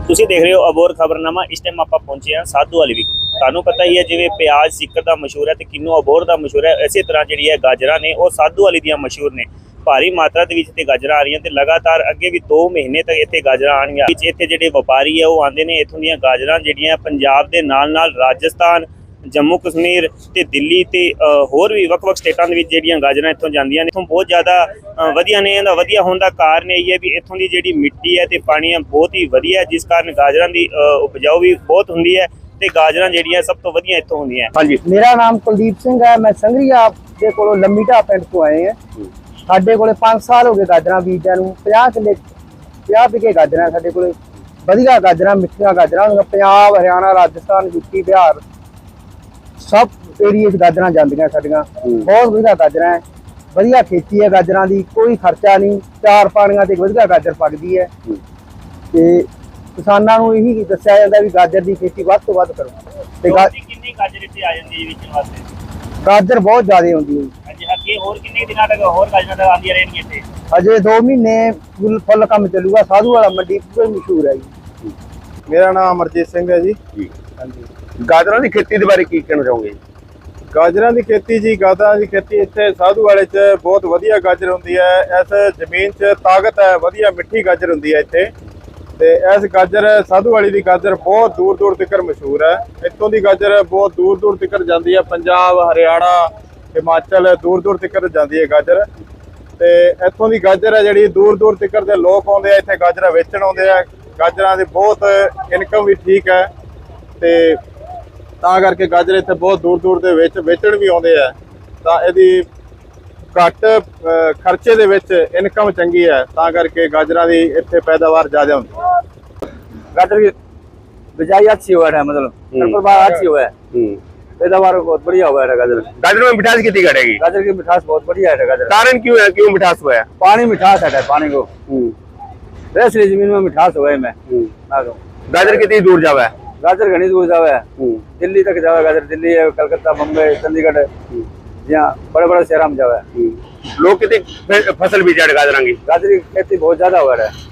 ਤੁਸੀਂ ਦੇਖ ਰਹੇ ਹੋ ਅਬੋਰ ਖਬਰਨਾਮਾ। ਇਸ ਟਾਈਮ ਆਪਾਂ ਪਹੁੰਚੇ ਹਾਂ ਸਾਧੂ ਵਾਲੀ ਵਿਖੇ। ਤੁਹਾਨੂੰ ਪਤਾ ਹੀ ਹੈ ਜਿਵੇਂ ਪਿਆਜ਼ ਸਿੱਕਰ ਦਾ ਮਸ਼ਹੂਰ ਹੈ ਤੇ ਕਿੰਨੂ ਅਬੋਰ ਦਾ ਮਸ਼ਹੂਰ ਹੈ, ਇਸੇ ਤਰ੍ਹਾਂ ਜਿਹੜੀ ਹੈ ਗਾਜਰਾਂ ਨੇ ਉਹ ਸਾਧੂ ਵਾਲੀ ਦੀਆਂ ਮਸ਼ਹੂਰ ਨੇ। ਭਾਰੀ ਮਾਤਰਾ ਦੇ ਵਿੱਚ ਤੇ ਗਾਜਰਾਂ ਆ ਰਹੀਆਂ ਤੇ ਲਗਾਤਾਰ ਅੱਗੇ ਵੀ 2 ਮਹੀਨੇ ਤੱਕ ਇੱਥੇ ਗਾਜਰਾਂ ਆਣਗੀਆਂ। ਵਿੱਚ ਇੱਥੇ ਜਿਹੜੇ ਵਪਾਰੀ ਹੈ ਉਹ ਆਉਂਦੇ ਨੇ, ਇੱਥੋਂ ਦੀਆਂ ਗਾਜਰਾਂ ਜਿਹੜੀਆਂ ਪੰਜਾਬ ਦੇ ਨਾਲ ਰਾਜਸਥਾਨ, जम्मू कश्मीर ते दिल्ली ते होर भी वक्-वक् स्टेटां दे विच जिहड़ियां गाजरां इत्थों जांदियां ने। इत्थों बहुत ज़्यादा वधिया ने। इहदा वधिया होण दा कारण यही है भी इत्थों दी जिहड़ी मिट्टी है ते पानी है बहुत ही वधिया है, जिस कारण गाजरां दी उपजाऊ भी बहुत हुंदी है ते गाजरां जिहड़ियां सब तो वधिया इत्थों हुंदियां। हाँ जी, मेरा नाम कुलदीप सिंह है। मैं संघरिया दे कोलों लंबी ढाह पिंड तो आए हैं। साडे कोले 5 साल हो गए गाजरां बीजां नूं। 50 विघे गाजरां साडे कोले वधिया गाजरां, मिठियां गाजरां। पंजाब, हरियाणा, राजस्थान, यूपी, बिहार सब एरिए गाजरां जांदियां साडियां। बहुत वधिया गाजरां है, वधिया खेती है गाजरां दी, कोई खर्चा नहीं। 4 पानियां ते वधिया गाजर पकदी है ते किसानां नूं यही दस्सिया जांदा भी गाजर दी खेती वध तों वध करो। ते कितनी गाजर इत्थे आ जांदी है विचण वास्ते? गाजर बहुत ज्यादा होंदी है। ਹਾਂਜੀ, ਅੱਗੇ ਹੋਰ ਕਿੰਨੇ ਦਿਨਾਂ ਤੱਕ ਹੋਰ ਗਾਜਰਾਂ ਤੱਕ ਆਉਂਦੀਆਂ ਰਹਿਣਗੀਆਂ ਇੱਥੇ? अजे 2 महीने फुल काम चलूगा। साधू वाला मंडी पूरी मशहूर है जी। मेरा नाम अमरजीत सिंह है जी। हाँ जी। गाजरां दी खेती दे बारे की कहना चाहोगे? गाजरां दी खेती जी, गाजरां दी खेती इत्थे साधू वाले च बहुत वधिया गाजर हुंदी है। इस जमीन च ताकत है, वधिया मिट्ठी गाजर हुंदी है इत्थे। ते इस गाजर साधू वाली दी गाजर बहुत दूर दूर तक मशहूर है। इत्थों दी गाजर बहुत दूर दूर तक जाती है, पंजाब, हरियाणा, हिमाचल दूर दूर तक जाती है गाजर। ते इत्थों दी गाजर है जिहड़ी दूर दूर तक दे लोग आउंदे आ, इत्थे गाजर वेचण आउंदे आ। गाजरां दी बहुत इनकम भी ठीक है ते ਤਾਂ ਕਰਕੇ ਗਾਜਰ ਇੱਥੇ ਬਹੁਤ ਦੂਰ ਦੂਰ ਦੇ ਵਿੱਚ ਵੇਚਣ ਵੀ ਆਉਂਦੇ ਆ। ਤਾਂ ਇਹਦੀ ਘੱਟ ਖਰਚੇ ਦੇ ਵਿੱਚ ਇਨਕਮ ਚੰਗੀ ਹੈ, ਤਾਂ ਕਰਕੇ ਗਾਜਰਾਂ ਦੀ ਇੱਥੇ ਪੈਦਾਵਾਰ ਜ਼ਿਆਦਾ ਹੁੰਦੀ ਹੈ। गाजर की बिजाई अच्छी हुआ है, मतलब प्रभाव अच्छी हुआ है, पैदावार बहुत बढ़िया हुआ है। गाजर में मिठास कितनी घटेगी? गाजर की मिठास बहुत बढ़िया है। गाजर कारण क्यों है, क्यों मिठास हुआ है? पानी मिठास है, पानी को इसलिए जमीन में मिठास हुआ है। मैं गाजर कितनी दूर जावा है? गाजर घनी दूर जावे है, दिल्ली तक जावे गाजर। दिल्ली है, कलकत्ता, बम्बई, चंडीगढ़, यहाँ बड़े बड़े शहर में जावे। लोग कितनी फसल बीजा गाजर की? गाजर की खेती बहुत ज्यादा हुआ है।